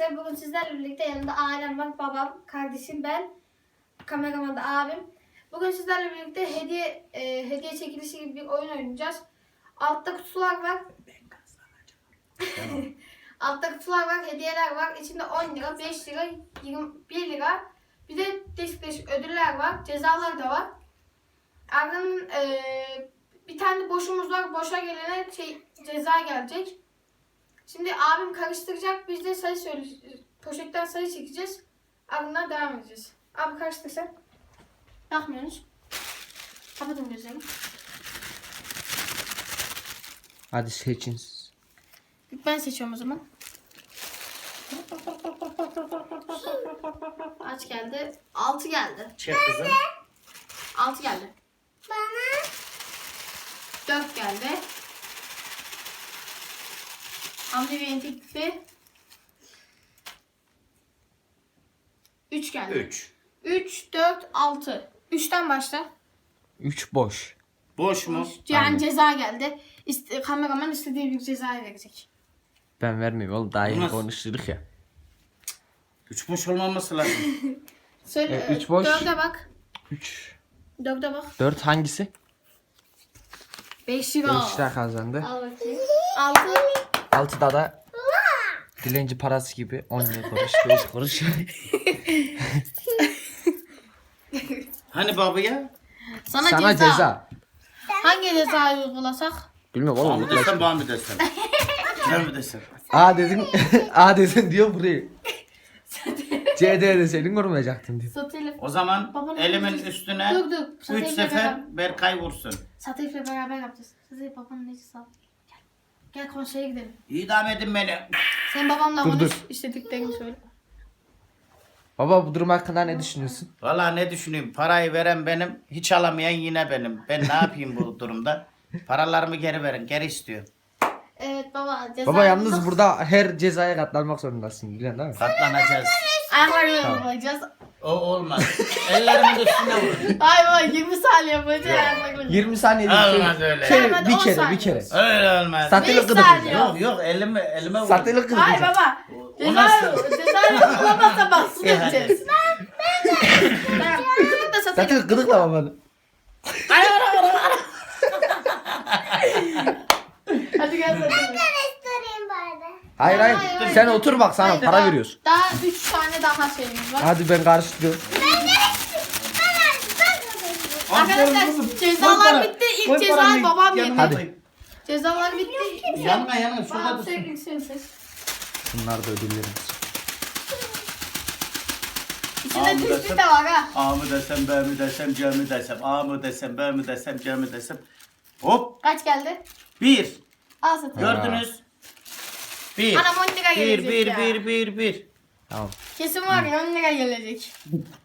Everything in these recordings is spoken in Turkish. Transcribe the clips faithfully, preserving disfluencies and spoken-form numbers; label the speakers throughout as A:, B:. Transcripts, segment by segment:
A: arkadaşlar. Bugün sizlerle birlikte yanımda ailem var, babam, kardeşim, ben, kameraman da abim. Bugün sizlerle birlikte hediye e, hediye çekilişi gibi bir oyun oynayacağız. Altta kutular var. Altta kutular var, hediyeler var. İçinde on lira, beş lira, yirmi bir lira. Bir de değişik değişik ödüller var. Cezalar da var. Ardından e, bir tane boşumuz var. Boşa gelene şey, ceza gelecek. Şimdi abim karıştıracak. Biz de sayı söyleyeceğiz. Poşetten sayı çekeceğiz. Ardından devam edeceğiz. Abi karıştır sen. Bakmıyorsunuz. Kapatın gözlerimi.
B: Hadi seçin.
A: Ben seçiyorum o zaman. Kaç geldi? altı geldi.
B: Çek kızım.
A: altı geldi.
C: Bana
A: dört geldi. Antibiyotikli. üç geldi.
D: üç.
A: üç, dört, altı. üçten başla.
B: üç boş.
D: Boş mu?
A: Yani
B: Aynen.
A: ceza geldi. İste, kameraman istediği bir ceza verecek.
B: Ben vermeyeyim oğlum, daha yeni
D: Olmaz.
B: konuştuk ya.
D: üç boş olmaması lazım.
A: Söyle.
B: E, üç boş.
A: dörde bak.
B: üç.
A: dörde bak.
B: dört hangisi?
A: beş lira.
B: beş lira kazandı.
A: Al bakayım. altı.
B: altıda da dilenci parası gibi on lira kuruş, beş kuruş.
D: Hani babaya?
A: Sana,
B: Sana
A: ceza.
B: ceza.
A: Hangi cezayı uygulasak?
B: Bilmiyorum
D: Bana
B: oğlum.
D: mı desem, bana mı desem? Gel mi desem?
B: A dedin, A dedin diyor burayı. C D de senin vurmayacaktın diyor.
A: Satıyla.
D: O zaman
A: Babanın
D: elimin
A: elini-
D: üstüne
A: Dur dur.
D: üç
A: Satıyla
D: sefer
A: beraber-
D: Berkay vursun.
A: Satıyla beraber yapacağız. Satıyla babanın necisi al. Gel. Gel konseye gidelim.
D: İdam edin beni.
A: Sen babamla
B: Dur,
A: konuş.
B: dur.
A: İstediklerini söyle.
B: Baba bu durum hakkında ne düşünüyorsun?
D: Valla ne düşüneyim, parayı veren benim, hiç alamayan yine benim. Ben ne yapayım bu durumda? Paralarımı geri verin, geri istiyor.
A: Evet baba. Ceza
B: Baba yalnız
A: yapacağız.
B: burada her cezaya katlanmak zorundasın, biliyorsun değil mi?
D: Katlanacağız.
A: Ayaklarını
B: Tamam.
A: yapacağız.
D: O olmaz. Ellerimin üstüne vur.
A: Ay baba yirmi saniye yapacağız. Ayaklarını.
B: yirmi saniye
D: Olmaz öyle.
B: Şey,
A: Tamam, hadi
B: bir
A: on
B: kere,
A: saniye
B: bir kere.
A: olsun.
D: Öyle olmaz.
B: Satılık
A: beş
B: gıdık
A: saniye.
B: yapacağız.
D: Yok yok, elime, elime vur.
B: Satılık gıdık
A: Hayır
B: yapacağız.
A: baba.
D: O
A: Ceza,
D: nasıl?
A: ceza bulamazsa baksın
D: İyi, hadi.
A: edeceğiz. Tamam. Kızım da satayım.
B: Satılık gıdıkla babanı.
A: Hadi gel satayım.
C: karıştırayım bari.
B: Hayır hayır,
A: Hayır, hayır.
B: sen otur bak, sana
A: Hayır,
B: para
A: daha-
B: veriyoruz.
A: Daha üç tane daha şeyimiz var.
B: Hadi ben karıştırıyorum.
A: Arkadaşlar cezalar bitti. İlk cezayı babam yedi.
B: Hadi.
A: Cezalar bitti.
D: Yanma yanma, şurada
A: Babam
D: dursun.
A: sevgili sen seç.
B: Bunlar da ödüllerimiz.
A: İçinde
D: Abi
A: tespit
D: desem-
A: de var ha.
D: A mı desem, B mi desem, C mi desem, A mı desem, B mi desem, C mi desem. Hop.
A: Kaç geldi?
D: Bir.
A: Al satayım.
D: Gördünüz. Bir.
A: Anam on lira
D: Bir,
A: gelecek
D: bir,
A: ya.
D: bir, bir, bir.
B: Tamam.
A: Kesin var ya on lira gelecek.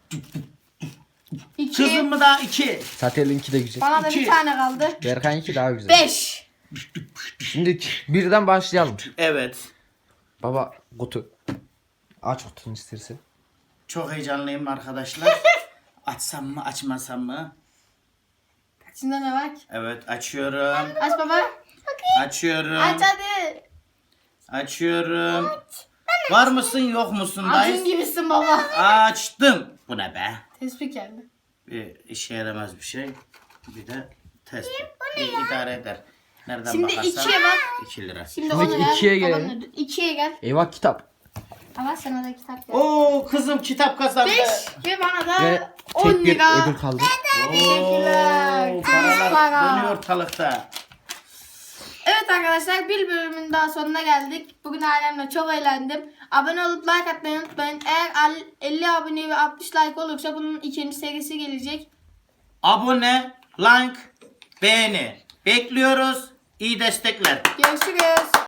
A: İki.
D: Kızım mı daha iki.
B: Satelinki de güzel.
A: Bana da
D: İki.
A: bir tane kaldı.
B: Berkay'ınki daha güzel.
A: Beş.
B: Şimdi birden başlayalım.
D: Evet.
B: Baba kutu. Aç kutunun istersen.
D: Çok heyecanlıyım arkadaşlar. Açsam mı, açmasam mı?
A: İçinde ne var ki?
D: Evet, açıyorum.
A: Aç baba.
D: Açıyorum.
A: Aç hadi.
D: Açıyorum. Var mısın, yok musun
A: Acun
D: dayı?
A: gibisin baba.
D: Açtım. Bu ne be?
A: Tespih geldi.
D: Bir işe yaramaz bir şey. Bir de test. Bir idare eder. Nereden
A: Şimdi
D: bakarsan
A: ikiye bak.
D: iki lira.
A: Şimdi
B: Şimdi
A: onu ver.
B: ikiye
A: babanın
B: gelelim.
A: ödülü. İkiye gel.
B: Eyvah kitap.
A: Ama sana da kitap gel.
D: Oo, kızım kitap kazandı.
A: Beş. Ve bana
B: Ve
A: da on
B: tek bir
A: lira.
B: ödül kaldı.
A: Teşekkürler.
D: Oo, paralar
A: Para.
D: dönüyor ortalıkta.
A: Evet arkadaşlar bir bölümün daha sonuna geldik. Bugün ailemle çok eğlendim. Abone olup like atmayı unutmayın. Eğer elli abone ve altmış like olursa bunun ikinci serisi gelecek.
D: Abone, like, beğeni. Bekliyoruz. İyi destekler.
A: Görüşürüz.